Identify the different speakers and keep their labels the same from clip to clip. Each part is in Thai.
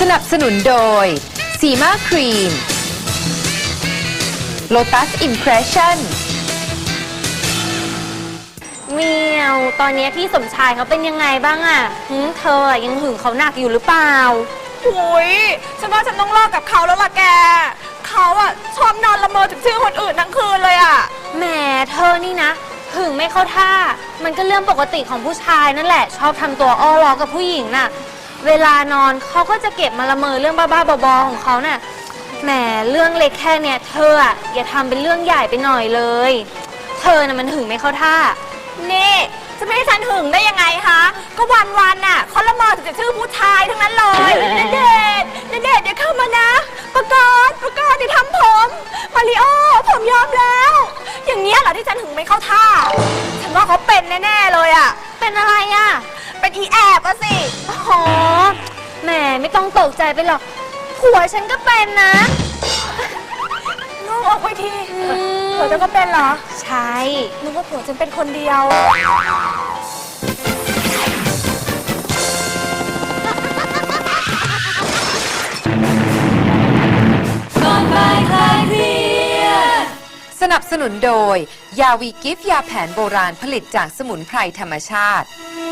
Speaker 1: นับสนุนโดยสีมาครีม Lotus Impression
Speaker 2: เมียวตอนนี้พี่สมชายเขาเป็นยังไงบ้างอะเธอยังหึงเขาหนักอยู่หรือเปล่า
Speaker 3: หุยฉันว่าฉันต้องเลิกกับเขาแล้วล่ะแก เขาอะชอบนอนละเมอถึงชื่อคนอื่นทั้งคืนเลยอะ
Speaker 2: แหมเธอนี่นะหึงไม่เข้าท่า มันก็เรื่องปกติของผู้ชายนั่นแหละ ชอบทำตัวอ้อล้อกับผู้หญิงน่ะ เวลานอนเขาก็จะเก็บมาละเมอเรื่องบ้าๆบอๆของเขาน่ะ แหมเรื่องเล็กแค่เนี้ยเธออะอย่าทำเป็นเรื่องใหญ่ไปหน่อยเลย เธอน่ะมันหึงไม่เข้าท่า
Speaker 3: นี่จะไม่ให้ฉันหึงได้ยังไงคะก็วันๆน่ะเขาละเมอถึงจะชื่อผู้ชายทั้งนั้นเลยณเดชน์ณเดชน์เดี๋ยวเข้ามานะประกาศเดี๋ยวทำผมมาริโอผมยอมแล้ว อย่างเงี้ยเหรอที่ฉันหึงไม่เข้าท่า ฉันว่าเขาเป็นแน่ๆเลยอะ
Speaker 2: เป็นอะไรอะ
Speaker 3: เป็นอีแอบอะสิ
Speaker 2: อ๋อแหมไม่ต้องตกใจไปหรอกผัวฉันก็เป็นนะ
Speaker 3: ลูกออกไปทีผัวจะก็เป็นเหรอ
Speaker 2: ใช่
Speaker 3: นึกว่าผัวฉันเป็นคนเดียว
Speaker 1: สนับสนุนโดยยาวีกิฟยาแผนโบราณผลิตจากสมุนไพรธรรมชาติ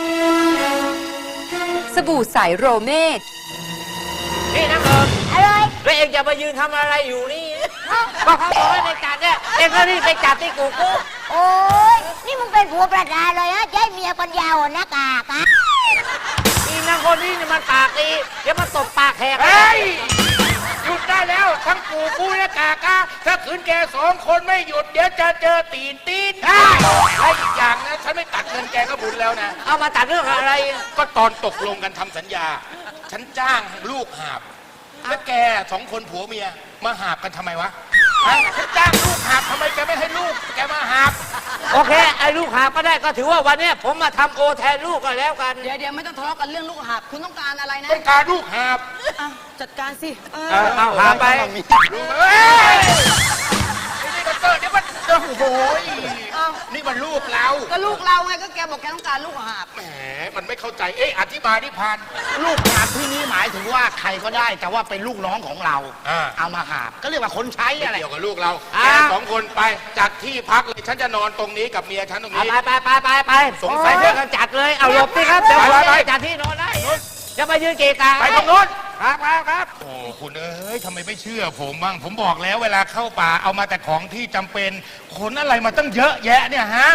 Speaker 1: สบู่ใสโรเมด
Speaker 4: นี่นะเอิญอะไรแล้วเองจะมายืนทำอะไรอยู่นี่ ก็เขาบอกให้ไปจัดเนี่ย เองก็รีบไปจัดที่กูกู
Speaker 5: โอ้ยนี่มึงเป็นผัวประดาเลยนะจะให้เมียปัญญาอ่อนหน้ากากอะ
Speaker 4: นี่นางคนนี้เนี่ยมันปากดีเดี๋ยวมันตบปากแหก
Speaker 6: เฮ้ย หยุดได้แล้ว ทั้งปู่กูและกากาถ้าขืนแกสองคนไม่หยุด เดี๋ยวจะเจอตีนและอีกอย่างนะฉันไม่ตัดเงินแกก็บุญแล้วนะ
Speaker 4: เอามาตัดเรื่องอะไร
Speaker 6: ก็ตอนตกลงกันทำสัญญา ฉันจ้างลูกหาบ แล้วแกสองคนผัวเมียมาหาบกันทำไมวะฮะฉันจ้างลูกหาบทำไมแกไม่ให้ลูก แกมาหาบ
Speaker 4: โอเค ไอ้ลูกหาก็ได้ก็ถือว่าวันเนี้ยผมมาทำโอแทนลูกก็แล้วกัน
Speaker 7: เดี๋ยวไม่ต้องทะเลาะกันเรื่องลูกหับคุณต้องการอะไรนะ
Speaker 6: ต้องการลูกหาบ
Speaker 7: อ่ะจัดการสิ
Speaker 4: เอาหาไป
Speaker 6: เฮ้ยนี่ก็เกิดเดี๋ยวมันโอ้โหนี่มันลูกเรา
Speaker 7: ก็ลูกเราไงก็แกบอกแกต้องการลูกหับ
Speaker 6: แหมมันไม่เข้าใจ เอ๊ะอธิบายที่พัน
Speaker 8: ลูกหาบที่นี้หมายถึงว่าใครก็ได้ แต่ว่าเป็นลูกน้องของเรา เอามาหาบก็เรียกว่าคนใช้
Speaker 6: ไม่
Speaker 8: อะไร
Speaker 6: เกี่ยวกับลูกเราแกสองคนไปจัดที่พักเลย ฉันจะนอนตรงนี้กับเมียฉันตรงนี้
Speaker 4: ไปสงสัยเรื่องกันจัดเลย เอาหลบสิครับ เดี๋ยวผมจะจัดที่นอนได้จะมายืนเกะกะ
Speaker 6: ไปตรงนู้น
Speaker 4: ครับ
Speaker 6: โอ้คุณเอ้ยทำไมไม่เชื่อผมบ้าง ผมบอกแล้วเวลาเข้าป่าเอามาแต่ของที่จำเป็นขนอะไรมาตั้งเยอะแยะเนี่ยฮะ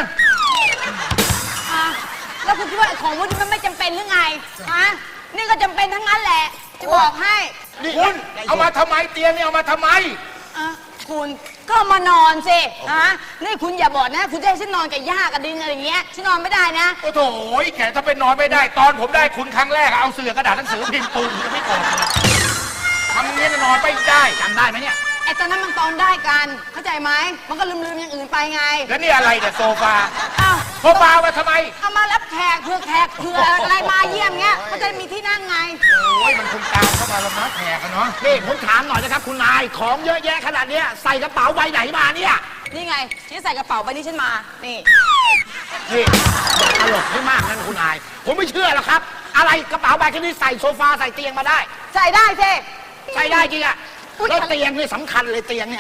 Speaker 7: แล้วคุณคิดว่าของพวกนี้มันไม่จำเป็นหรือไงฮะนี่ก็จำเป็นทั้งนั้นแหละ จะบอกให้
Speaker 6: นี่คุณเอามาทำไมเตียงนี่เอามาทำไม
Speaker 7: อ่ะคุณก็มานอนสิฮะนี่คุณอย่าบอกนะ คุณจะให้ฉันนอนกับหญ้ากับดินอะไรอย่างเงี้ยฉันนอนไม่ได้นะ
Speaker 6: โอ้โถแกถ้าเป็นนอนไม่ได้ ตอนผมได้คุณครั้งแรกอะเอาเสื่อกระดาษหนังสือพิมพ์ปูนยังไม่ออกเลยทำอย่างนี้นอนไม่ได้จำได้ไหมเนี่ย
Speaker 7: ไอ้ตอนนั้นมันตอนได้กันเข้าใจไหมมันก็ลืมอย่างอื่นไปไง
Speaker 6: แล้วนี่อะไรเนี่ยโซฟา
Speaker 7: อ้าว
Speaker 6: โซฟามาทำไม
Speaker 7: เอามารับแขกเผื่ออะไรมาเยี่ยมเงี้ยเขาจะมีที่นั่งไง
Speaker 6: โอ้ยมันคงตามเข้ามาแล้วนะแขกอะเนาะ
Speaker 8: นี่ผมถามหน่อยนะครับคุณนาย ของเยอะแยะขนาดเนี้ยใส่กระเป๋าใบไหนมาเนี่ย
Speaker 7: นี่ไงที่ใส่กระเป๋าใบนี้ฉันมา นี่
Speaker 8: นี่ตลกไม่มากนั่นคุณนาย ผมไม่เชื่อหรอกครับ อะไรกระเป๋าใบแค่นี้ใส่โซฟาใส่เตียงมาได้
Speaker 7: ใส่ได้สิ
Speaker 8: ใส่ได้จริงอะแล้วเตียงนี่สำคัญเลยเตียงเนี่ย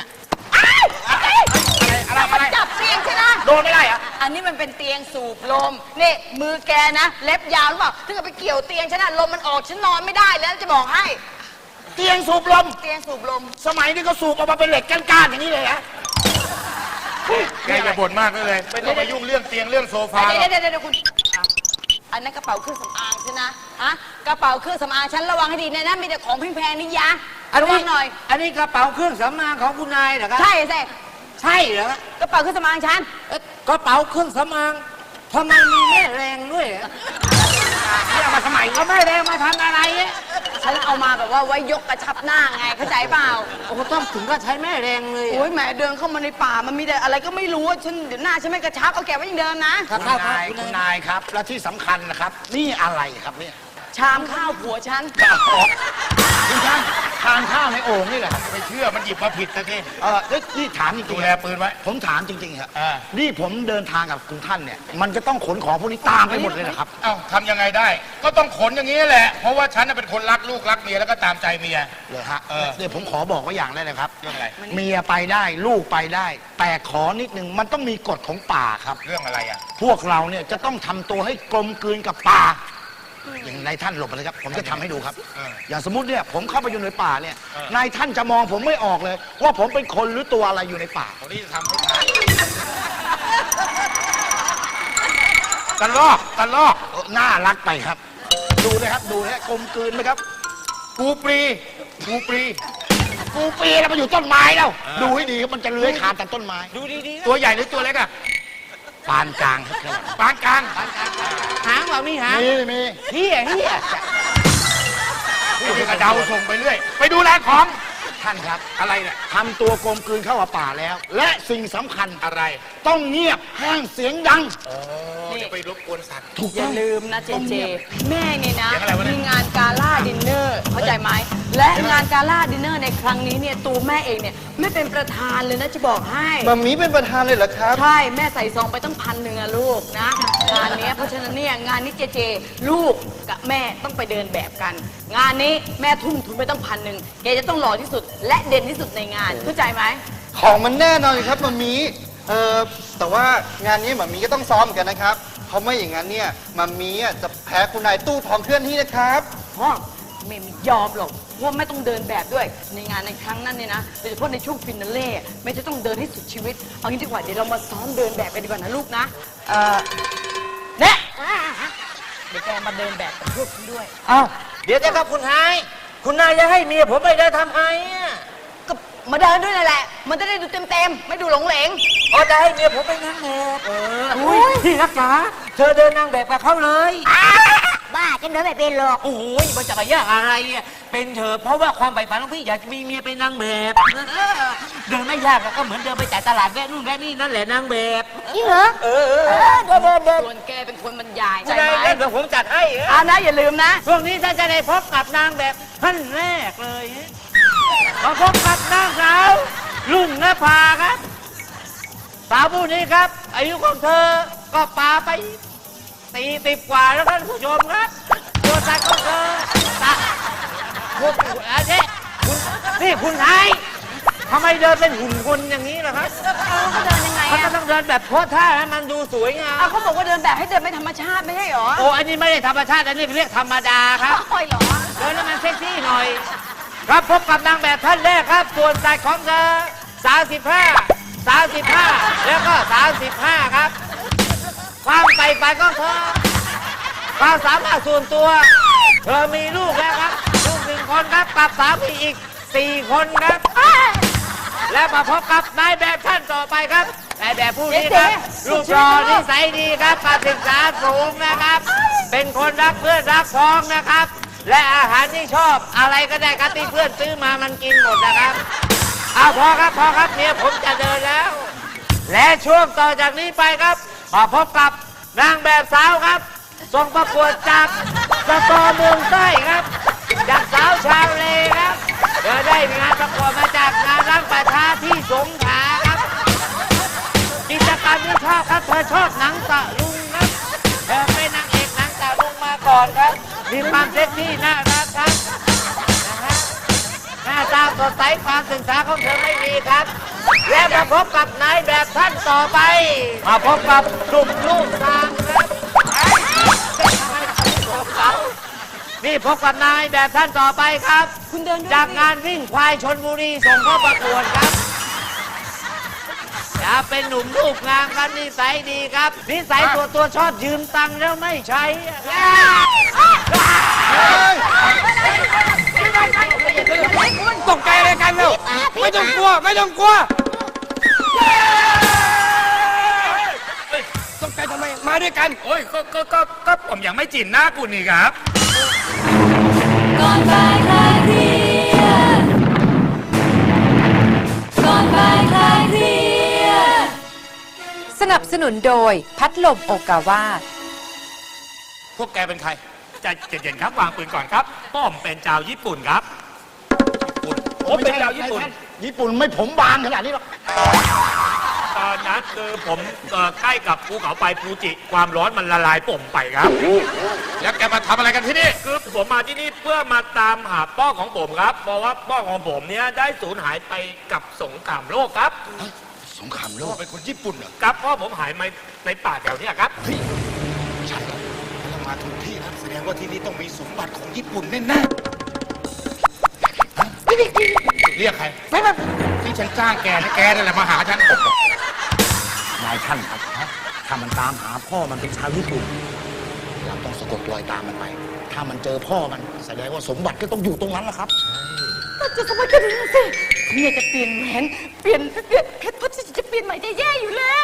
Speaker 7: อะไรจับเตียงใช่ไหม
Speaker 8: โดนไม่ได้เหรอ
Speaker 7: อันนี้มันเป็นเตียงสูบลม นี่มือแกนะ เล็บยาวหรือเปล่า ถ้าเกิดไปเกี่ยวเตียงฉันนะลมมันออกฉันนอนไม่ได้แล้วจะบอกให้
Speaker 8: เตียงสูบลม
Speaker 7: เตียงสูบลม
Speaker 8: สมัยนี้ก็สูบออกมาเป็นเหล็กก้านๆอย่างนี้เลยฮะ
Speaker 6: แกอย่าบ่นมากเลยไม่ต้องมายุ่งเรื่องเตียงเรื่องโซฟาหรอก
Speaker 7: เดี๋ยวคุณอันนั้นกระเป๋าเครื่องสำอางใช่นะฮะกระเป๋าเครื่องสำอางฉันระวังให้ดีนะมีแต่ของแพงๆนี่ยะระวังหน่อย
Speaker 4: อันนี้กระเป๋าเครื่องสำอางของคุณนายเหรอครับ
Speaker 7: ใช่สิ
Speaker 4: ใช่เหรอก
Speaker 7: ระเป๋าเครื่องสำอางฉัน
Speaker 4: กระเป๋าเครื่องสำอางทำไมมีแม่แรงด้วยอะ
Speaker 8: นี่เอามาทำไม
Speaker 4: เอาแม่แรงมาทำอะไรเนี่ย
Speaker 7: ฉันเอามาแบบว่าไว้ยกกระชับหน้าไงเข้าใจเปล่า
Speaker 4: โอ้โหต้องถึงก็ใช้แม่แรงเลย
Speaker 7: โอ้ยแหมเดินเข้ามาในป่ามันมีแต่อะไรก็ไม่รู้ฉันเดี๋ยวหน้าฉันไม่กระชับเอาแกไว้อย่างเดิมนะ
Speaker 4: ครับ
Speaker 8: คุณนายครับ และที่สำคัญนะครับ นี่อะไรครับเนี่ย
Speaker 7: ชามข้าวผัวฉัน
Speaker 8: คุณช่างทานข้าวในโอ่งนี่แหละครับ
Speaker 6: ไม่เชื่อมันหยิบมาผิดนะที่
Speaker 8: นี่ถามจริ
Speaker 6: ดู
Speaker 8: งๆ
Speaker 6: แล
Speaker 8: ครับ
Speaker 6: ปืนไว้
Speaker 8: ผมถามจริงๆครับ
Speaker 6: อ่า
Speaker 8: นี่ผมเดินทางกับคุณท่านเนี่ย มันจะต้องขนของพวกนี้ตามไปหมดเลยนะครับ
Speaker 6: เอ้าทำยังไงได้ ก็ต้องขนอย่างนี้แหละ เพราะว่าฉันน่ะเป็นคนรักลูกรักเมียแล้วก็ตามใจเมีย
Speaker 8: เลยฮะ
Speaker 6: เออ
Speaker 8: เดี๋ยวผมขอบอกไว้อย่างได้เลยครับ
Speaker 6: เรื่องอะไร
Speaker 8: เมียไปได้ลูกไปได้ แต่ขอนิดนึงมันต้องมีกฎของป่าครับ
Speaker 6: เรื่องอะไรอ่ะ
Speaker 8: พวกเราเนี่ยจะต้องทำตัวให้กลมกลืนกับป่า อย่างนายท่านหลบไปเลยครับ ผมจะทำให้ดูครับ
Speaker 6: เออ
Speaker 8: อย่างสมมติเนี่ยผมเข้าไปอยู่ในป่าเนี่ย
Speaker 6: เออ
Speaker 8: นายท่านจะมองผมไม่ออกเลย ว่าผมเป็นคนหรือตัวอะไรอยู่ในป่า
Speaker 6: ตอนนี้จะทำให้ทายตะลอกตะลอก
Speaker 8: น่ารักไปครับ ดูนะครับดูนะกลมกลืนไหมครับ
Speaker 6: กูปรีกูปรี
Speaker 8: กูปีแล้วมันอยู่ต้นไม้แล้ว ดูให้ดีครับมันจะเลื้อยคลานแต่ต้นไม้
Speaker 4: ดูดีๆ
Speaker 6: ตัวใหญ่หรือตัวเล็กอ่ะ
Speaker 8: ปานกลางครับ
Speaker 6: ปานกลาง
Speaker 4: หางเปล่ามีหาง
Speaker 8: มี
Speaker 4: เฮีย
Speaker 6: นี่กระเดาส่งไปเรื่อย ไปดูแลของ
Speaker 8: ท่านครับ
Speaker 6: อะไรเนี่ย
Speaker 8: ทำตัวกลมกลืนเข้ากับป่าแล้ว และสิ่งสำคัญ
Speaker 6: อะไร
Speaker 8: ต้องเงียบห้ามเสียงดัง
Speaker 6: เดี๋ยวไปรบกวนสัตว์
Speaker 8: ถูก
Speaker 7: อย่า
Speaker 8: ต้อง
Speaker 7: ลืมนะเจเจ แม่เนี่ยนะ
Speaker 6: เสียงอะไรวะเนี่ย
Speaker 7: มีงานกาล่าดินเนอร์เข้าใจไหม และงานกาล่าดินเนอร์ในครั้งนี้เนี่ยตัวแม่เองเนี่ยไม่เป็นประธานเลยนะจะบอกให้
Speaker 9: มัมมี่เป็นประธานเลยเหรอครับ
Speaker 7: ใช่แม่ใส่ซองไปตั้ง1,000อะลูกนะงานเนี้ยเพราะฉะนั้นเนี่ยงานนี้เจเจ ลูกกับแม่ต้องไปเดินแบบกัน งานนี้แม่ทุ่มทุนไปตั้ง1,000แกจะต้องหล่อที่สุด และเด่นที่สุดในงานเข้าใจไหม
Speaker 9: ของมันแน่นอนอยู่ครับมัมมี่แต่ว่างานนี้มัมมี่ก็ต้องซ้อมเหมือนกันนะครับ เพราะไม่อย่างนั้นเนี่ยมัมมี่จะแพ้คุณนายตู้ทองเคลื่อนที่นะครับ
Speaker 7: พ่อแม่ไม่ยอมหรอกเพราะว่าแม่ต้องเดินแบบด้วยในงานในครั้งนั้นเนี่ยนะโดยเฉพาะในช่วงฟินาเล่แม่จะต้องเดินให้สุดชีวิตเอางี้ดีกว่าเดี๋ยวเรามาซ้อมเดินแบบกันดีกว่านะลูกนะเนี่ยเดี๋ยวแกมาเดินแบบกับพวกฉันด้วย
Speaker 4: เอ้าเดี๋ยวจะครับคุณไฮคุณนายจะให้เมียผมไปเดินทำไมอ่ะ
Speaker 7: ก็มาเดินด้วยนั่นแหละ มันจะได้ดูเต็มๆไม่ดูหลงเหลง
Speaker 4: อ๋อจะให้เมียผมไปนางแบบอุ้ยพี่รักจ๋าเธอเดินนางแบบกับเขาเลย
Speaker 5: บ้าฉันเดินไม่เป็นหรอก
Speaker 4: โอ้ยมันจะไปยากอะไรอ่ะเป็นเธอะเพราะว่าความใฝ่ฝันของพี่อยากมีเมียเป็นนางแบบ เดินไม่ยากอะก็เหมือนเดินไปจ่ายตลาดแวะนู่นแวะนี่นั่นแหละนางแบบ
Speaker 5: จริงเหรอ
Speaker 4: เออ
Speaker 5: เดิน
Speaker 7: ส่วนแกเป็นคนบรรยาย
Speaker 4: คุณ
Speaker 7: ใช่
Speaker 4: นาย
Speaker 7: ไหม
Speaker 4: เล่นเดี๋ยวผมจัดให้
Speaker 7: อ่านะอย่าลืมนะ
Speaker 4: ช่วงนี้ถ้าจะได้พบกับนางแบบท่านแรกเลยมาพบกับนางสาวรุ่งนภาครับสาวผู้นี้ครับ อายุของเธอก็ปาไป40 กว่าแล้วท่านผู้ชมครับตัวตาของเธอตาคุณอันนี้คุณนี่คุณไทยทำไมเดินเป็นหุ่นคนอย่างนี้ล่ะครับ
Speaker 7: เขาเดินยังไง
Speaker 4: มันก็
Speaker 7: อะ
Speaker 4: ต้องเดินแบบโพสท่าให้มันดูสวยงาม
Speaker 7: เอาเขาบอกว่าเดินแบบให้เดินไม่ธรรมชาติไม่ใช่หรอ
Speaker 4: โอ้อันนี้ไม่ได้ธรรมชาติอันนี้เรียกธรรมดาครับ
Speaker 7: โอ้ยเหรอ
Speaker 4: เดินแล้วมันเซ็กซี่หน่อย ครับพบกับนางแบบท่านแรกครับ ส่วนสายของเธอ35 แล้วก็ 35 ครับ ความใฝ่ฝันของเธอ ความสามารถส่วนตัว เธอมีลูกแล้วครับ ลูก1 คนครับกับสามีอีก 4 คนครับ และมาพบกับนายแบบท่านต่อไปครับนายแบบผู้นี้ครับรูปหล่อนิสัยดีครับการศึกษาสูงนะครับ เป็นคนรักเพื่อนรักพ้องนะครับ และอาหารที่ชอบอะไรก็ได้ครับที่เพื่อนซื้อมามันกินหมดนะครับเอาพอครับเมียผมจะเดินแล้ว และช่วงต่อจากนี้ไปครับมาพบกับนางแบบสาวครับส่งประกวดจากสตอเมืองใต้ครับจากสาวชาวเลครับเธอได้งานประกวดมาจากงานรังประชาที่สงขลาครับกิจกรรมที่ชอบครับเธอชอบหนังตะลุงครับเธอเป็นนางเอกหนังตะลุงมาก่อนครับมีความเซ็กซี่น่ารักครับนะฮะหน้าตาสดใสความศึกษาของเธอไม่มีครับ และมาพบกับนายแบบท่านต่อไปมาพบกับกลุ่มลูกตามครับนี่พบกับนายแบบท่านต่อไปครับ
Speaker 7: คุณเดินด้วย
Speaker 4: จากงานวิ่งควายชนบุรีส่งเข้าประกวดครับจะเป็นหนุ่มรูปงามครับนิสัยดีครับนิสัยตัวชอบยืมตังค์แล้วไม่ใช้
Speaker 9: ตกใจอะไรกันเร็วไม่ต้องกลัวตกใจทำไมมาด้วยกัน
Speaker 6: โอ้ยก็ผมยังไม่จินหน้าคุณนี่ครับ
Speaker 2: ก่อนบ่ายคลายเครียดก่อนบ่ายคลายเครียด
Speaker 1: สนับสนุนโดยพัดลมโอกาวา
Speaker 6: พวกแกเป็นใคร จ
Speaker 10: ใจเย็นๆครับวางปืนก่อนครับผมเป็นชาวญี่ปุ่นครับ
Speaker 8: ผมเป็นชาวญี่ปุ่น ญี่ปุ่นไม่ผมบางขนาดนี้หรอก
Speaker 10: ตอนนั้นคือผมใกล้กับภูเขาไฟฟูจิความร้อนมันละลายป่มไปครับ
Speaker 6: แล้วแกมาทำอะไรกันที่นี่
Speaker 10: คือผมมาที่นี่เพื่อมาตามหาพ่อของผมครับเพราะว่าพ่อของผมเนี่ยได้สูญหายไปกับสงครามโลกครับ
Speaker 6: สงครามโลกเป็นคนญี่ปุ่นเหรอ
Speaker 10: ครับพ่อผมหายมาในป่าแถวเนี้ยครับ
Speaker 6: ใช่แล้วเรามาถูกที่แล้วแสดงว่าที่นี่ต้องมีสมบัติของญี่ปุ่นแน่ๆเรียกใครที่ฉันจ้างแกนะแกนั่นแหละมาหาฉัน
Speaker 8: นายท่านครับถ้ามันตามหาพ่อมันเป็นชาวญี่ปุ่น เราต้องสะกดรอยตามมันไป ถ้ามันเจอพ่อมันแสดงว่าสมบัติก็ต้องอยู่ตรงนั้นแหละครับ
Speaker 7: จะสมัยกันดูสิเนี่ยจะเปลี่ยนแหวนเปลี่ยนเพชรพัชจะเปลี่ยนใหม่จะแย่อยู่แล้ว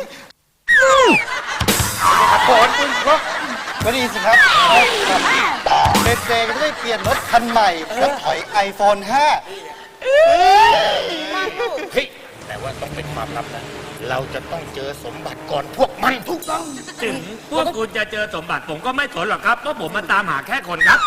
Speaker 9: ก็ดีสิครับเด็กๆก็ได้เปลี่ยนรถคันใหม่แล้วถอย iPhone 5
Speaker 6: เฮ้ยแต่ว่าต้องเป็นความลับนะเราจะต้องเจอสมบัติก่อนพวกมันถูกต้อง
Speaker 10: ถึงพวกคุณจะเจอสมบัติผมก็ไม่สนหรอกครับเพราะผมมาตามหาแค่คนครับ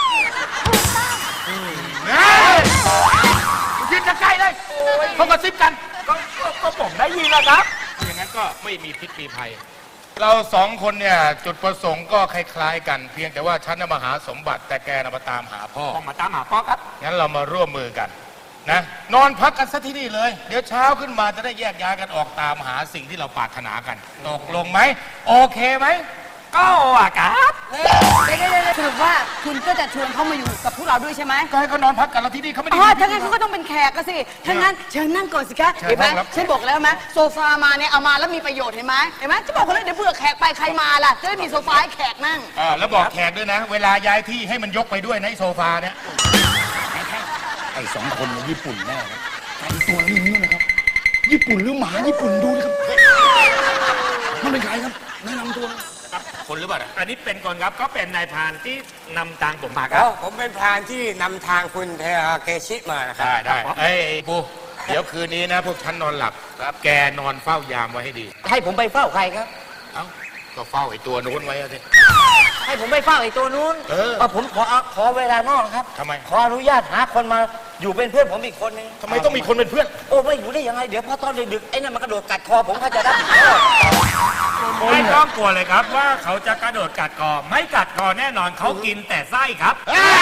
Speaker 6: ยืนจะใกล้เลยเขากระซิบกัน
Speaker 10: ก็ผมได้ยินแล้วครับ
Speaker 6: อย่างนั้นก็ไม่มีพิษมีภัย เราสองคนเนี่ยจุดประสงค์ก็คล้ายๆกัน เพียงแต่ว่าฉันน่ะมาหาสมบัติแต่แกน่ะมาตามหาพ่อ
Speaker 10: ผมมาตามหาพ่อครับ
Speaker 6: งั้นเรามาร่วมมือกันนะนอนพักกันซะที่นี่เลย เดี๋ยวเช้าขึ้นมาจะได้แยกย้ายกันออกตามหาสิ่งที่เราปรารถนากันตกลงไหมโอเคไหม
Speaker 10: ก็อ่ะครับ
Speaker 7: สรุปว่าคุณก็จะชวนเขามาอยู่กับพวกเราด้วยใช่ไหม
Speaker 6: ก็ให้เขานอนพักกันแล้วที่นี่เขาไม่ได้
Speaker 7: อ๋อถ้างั้นเขาก็ต้องเป็นแขกก็สิถ้างั้นเชิญนั่งก่อนสิคะ
Speaker 6: เชิญ
Speaker 7: เห็นไหม
Speaker 6: นั่งครับ
Speaker 7: ฉันบอกแล้วไหมโซฟามาเนี่ยเอามาแล้วมีประโยชน์เห็นไหมจะบอกคนเลยเดี๋ยวเผื่อแขกไปใครมาล่ะจะได้มีโซฟาให้แขกนั่ง
Speaker 6: แล้วบอกแขกด้วยนะ เวลาย้ายที่ให้มันยกไปด้วยในะไอ้โซฟาเนี่ย
Speaker 8: ไอ้สองคนในญี่ปุ่นแน่ครับไอ้ตัวนี้นี่นะครับ ญี่ปุ่นหรือหมาญี่ปุ่นดูนะครับ มันเป็นใครครับแนะนำตัว
Speaker 6: คนหรือเปล่าเนี่ย
Speaker 10: อันนี้เป็นคนครับเขาเป็นนายพรานที่นำทางผมมาครับ
Speaker 4: ผมเป็นพรานที่นำทางคุณเทอาเกชิมานะครับ
Speaker 6: ได้เอ้ยปูเดี๋ยวคืนนี้นะ พวกฉันนอนหลับครับแกนอนเฝ้ายามไว้ให้ดี
Speaker 4: ให้ผมไปเฝ้าใครครับ
Speaker 6: เอ้าก็เฝ้าไอ้ตัวนู้นไว้อะสิ
Speaker 4: ให้ผมไปเฝ้าไอ้ตัวนู้น ผมขอเวลานอกครับ
Speaker 6: ทำไม
Speaker 4: ขออนุญาตหาคนมาอยู่เป็นเพื่อนผมอีกคนนึง
Speaker 6: ทำไมต้องมีคนเป็นเพื่อน
Speaker 4: โอ้ไม่อยู่ได้ยังไง เดี๋ยวพอตอนดึกๆไอ้นั่นมันกระโดดกัดคอผมเขาจะรับผิดชอบ
Speaker 10: ไม่ต้องกลัวเลยครับว่าเขาจะกระโดดกัดคอไม่กัดคอแน่นอนเขากินแต่ไส้ครับ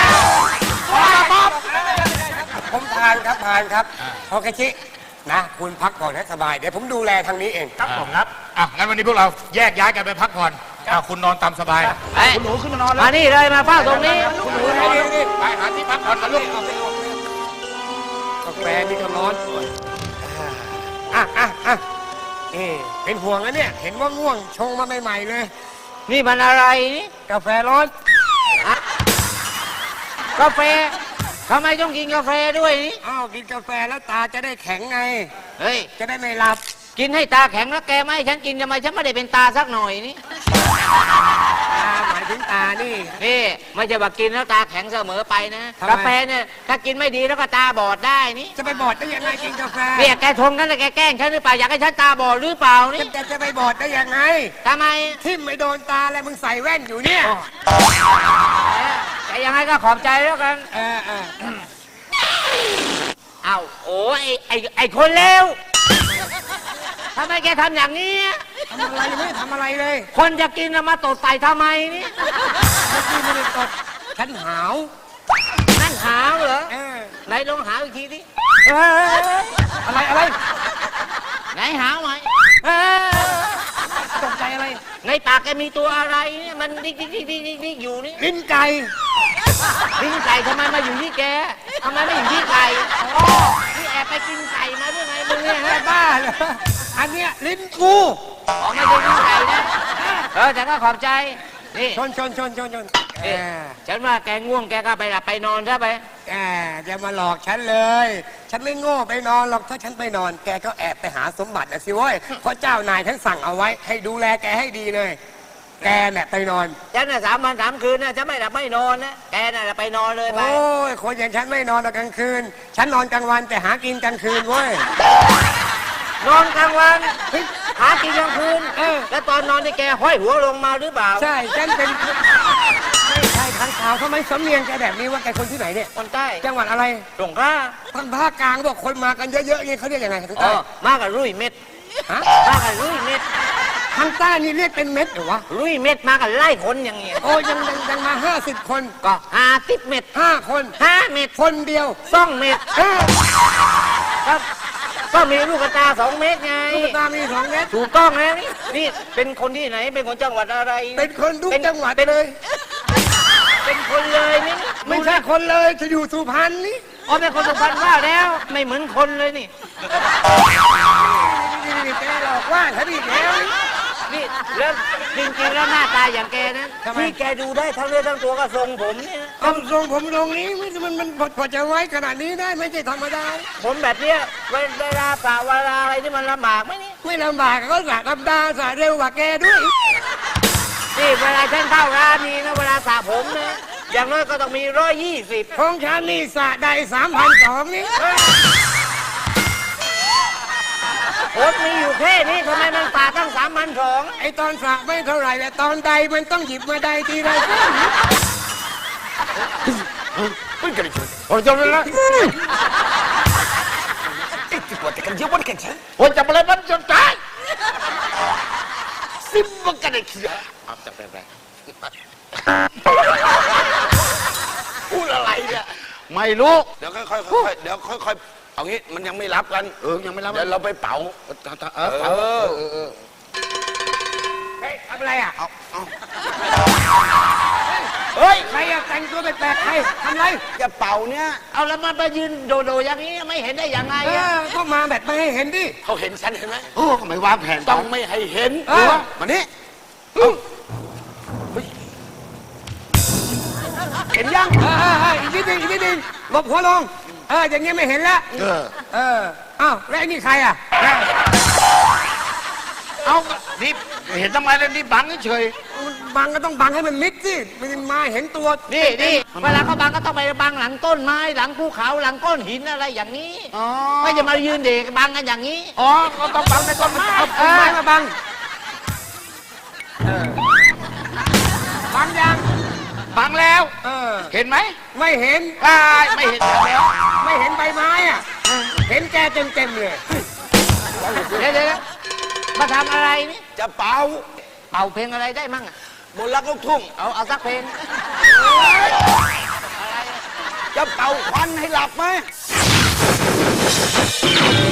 Speaker 4: ผมพานครับโอเคชินะ คุณพักผ่อนให้สบาย เดี๋ยวผมดูแลทางนี้เอง
Speaker 10: ครับผมครับ
Speaker 6: งั้นวันนี้พวกเราแยกย้ายกันไปพักผ่อนคุณนอนตามสบาย
Speaker 8: คุณหนูขึ้นมานอนแล้ว
Speaker 4: มานี่เลยมาเฝ้าตรงนี้
Speaker 6: ไปหาที่พักผ่อนกันลูก
Speaker 4: กาแฟนี่ก็ร้อนนี่เป็นห่วงนะเนี่ย เห็นว่าง่วงชงมาใหม่ๆเลย นี่มันอะไรนี่กาแฟร้อนกาแฟทำไมต้องกินกาแฟด้วยนี่อ้าวกินกาแฟแล้วตาจะได้แข็งไง เฮ้ย จะได้ไม่หลับ กินให้ตาแข็งแล้วแกไม่ให้ฉันกินทำไมฉันไม่ได้เป็นตาสักหน่อยนี่ตาหมายถึงตานี่ไม่ใช่ว่ากินแล้วตาแข็งเสมอไปนะกาแฟเนี่ยถ้ากินไม่ดีแล้วก็ตาบอดได้นี่จะไปบอดได้ยังไงกินกาแฟเนี่ยแกชงกันแล้วแกแกล้งฉันหรือเปล่าอยากให้ฉันตาบอดหรือเปล่านี่จะไปบอดได้ยังไงทำไมทิ่มไม่โดนตาแล้วมึงใส่แว่นอยู่เนี่ยแต่ยังไงก็ขอบใจแล้วกันเอาโอ้ไอ้คนเลวทำไมแกทำอย่างนี้ทำอะไรไม่ทำอะไรเลย คนจะกินมาตดใส่ทำไมนี่ไม่ได้ตดฉันหาวนั่นหาวเหรอไหนลองหาวอีกทีดิอะไรไหนหาวไหมตกใจอะไรในปากแกมีตัวอะไรเนี่ยมันดิ๊กอยู่นี่ลิ้นไก่ทำไมมาอยู่ที่แกทำไมไม่อยู่ที่ไก่ที่แอบไปกินไก่มาด้วยไงมึงเนี่ยฮะบ้าเหรออันเนี้ยลิ้นกูไม่ใช่ลิ้นไก่นะแต่ก็ขอบใจนี่ชนฉันว่าแกง่วงแกก็ไปหลับไปนอนซะไปอย่ามาหลอกฉันเลย ฉันไม่โง่ไปนอนหรอกถ้าฉันไปนอนแกก็แอบไปหาสมบัตินะสิเว้ยเพราะเจ้านายท่านสั่งเอาไว้ให้ดูแลแกให้ดีเลยแกเนี่ยไปนอนฉันน่ะ3 วัน 3 คืนนะฉันไม่หลับไม่นอนนะแกน่ะไปนอนเลยไปโอ้ยคนอย่างฉันไม่นอนตอนกลางคืนฉันนอนกลางวันแต่หากินกลางคืนเว้ยนอนกลางวันหากินกลางคืนแล้วตอนนอนนี่แกห้อยหัวลงมาหรือเปล่าใช่ฉันเป็นไม่ใช่
Speaker 11: ทางข่าวทำไมสำเนียงแกแบบนี้ว่าแกคนที่ไหนเนี่ย
Speaker 4: คนใต้
Speaker 11: จังหวัดอะไร
Speaker 4: สงขลา
Speaker 11: ทางภาคกลางบอกคนมากันเยอะๆนี่เขาเรียกยังไงทาง
Speaker 4: อ๋
Speaker 11: ใต้
Speaker 4: อมากับรุ่ยเม็ด
Speaker 11: ฮะ
Speaker 4: มากับรุ่ยเม็ด
Speaker 11: ทางใต้นี่เรียกเป็นเม็ดเหรอวะ
Speaker 4: รุ่ยเม็ดมากับไล่คนอย่างเงี้ย
Speaker 11: โอ้ยังมา50 คน
Speaker 4: ก็50 เม็ด
Speaker 11: 5 คน
Speaker 4: 5 เม็ด
Speaker 11: คนเดียว
Speaker 4: 2 เม็ดครับก็มีลูกกระตา 2 เม็ดไง
Speaker 11: ลูกตามี2 เม็ด
Speaker 4: ถูกต้องแล้วนี่เป็นคนที่ไหนเป็นคนจังหวัดอะไร
Speaker 11: เป็นคนทุกจังหวัดเลย
Speaker 4: เป็นคนเลยนี่
Speaker 11: ไม่ใช่คนเลยจะอยู่สุพรรณนี่
Speaker 4: อ๋อเป็นคนสุพรรณว่าแล้วไม่เหมือนคนเลยนี่
Speaker 11: นี่แกหลอกว่าฉันอีกแล้วนี่
Speaker 4: นี่แล้วจริงๆแล้วหน้าตาอย่างแกนะ
Speaker 11: ทำไม
Speaker 4: ที่แกดูได้ทั้งเนื้อทั้งตัวก็ทรงผมเนี่ยนะ
Speaker 11: เอาทรงผมตรงนี้มันพอจะไว้ขนาดนี้ได้ไม่ใช่ธรรมดา
Speaker 4: ผมแบบเนี้ยเวลาสระเวลาอะไรที่มันลำบากไหมนี่
Speaker 11: ไม่ลำบากก็สระธรรมดาสระเร็วกว่าแกด้วย
Speaker 4: นี่เวลาฉันเข้าร้านนี้นะเวลาสระผมนะอย่างน้อยก็ต้องมี120
Speaker 11: ของฉันนี่สระได้3,200นี่
Speaker 4: ผมมีอยู่แค่นี้ทำไมมันสระตั้ง3,200
Speaker 11: ไอตอนสระไม่เท่าไหร่แต่ตอนใดมันต้องหยิบมาใดทีไรก็
Speaker 6: ผมจะเลยนะผมจะมาเลยมันจนตายซิมมันกันไอ้ขี้เอาจับไปพูดอะไรเนี่ยไม่รู้เดี๋ยวค่อยๆเดี๋ยวค่อยๆเอางี้มันยังไม่รับกันยังไม่รับเดี๋ยวเราไปเป๋า
Speaker 11: เฮ้ยทำอะไรอ่ะ
Speaker 6: เฮ้ย
Speaker 11: ใครอะแต่งตัวแปลกๆใครทำอะไร
Speaker 6: จะเป่าเนี่ย
Speaker 4: เอาแล้วมันไปยืนโดอย่างนี้ไม่เห็นได้ยังไง
Speaker 11: เอ
Speaker 4: อะ
Speaker 11: อก็มาแบบไม่ให้เห็นดิ
Speaker 6: เขาเห็นฉันเห็นไหม
Speaker 8: โอ้ทำไมวางแผน
Speaker 6: ต้องไม่ให้เห็น
Speaker 11: เออ
Speaker 6: มานี่เห็นยัง
Speaker 11: อีกนิดนึงหลบหัวลงอย่างเงี้ยไม่เห็นแล้วอ้าวแล้วไอ้นี่ใครอ่ะ
Speaker 6: เอานี่เห็นทำไมแล้วนี่บังเฉย
Speaker 11: บังก็ต้องบังให้มันมิดสิมันมาเห็นตัว
Speaker 4: นี่เวลาเขาบังก็ต้องไปบังหลังต้นไม้หลังภูเขาหลังก้อนหินอะไรอย่างนี้ไม่จะมายืนเด็กบังกันอย่างนี้
Speaker 6: อ๋อก็ต้องบังในต้นไม้
Speaker 11: เอาต้นไม้มาบังบังยัง
Speaker 6: บังแล้ว เห็นไหม
Speaker 11: ไม่เห็น
Speaker 6: ไม่เห็นแล้ว
Speaker 11: ไม่เห็นใบไม้อ่ะเห็นแกเต็มเลย
Speaker 4: เดี๋ยวมาทำอะไรนี่
Speaker 6: จะเป่า
Speaker 4: เป่าเพลงอะไรได้มั่งอะ
Speaker 6: บนรักลูกทุ่ง
Speaker 4: เอาสักเพลง
Speaker 6: จะเป่าควันให้หลับไหม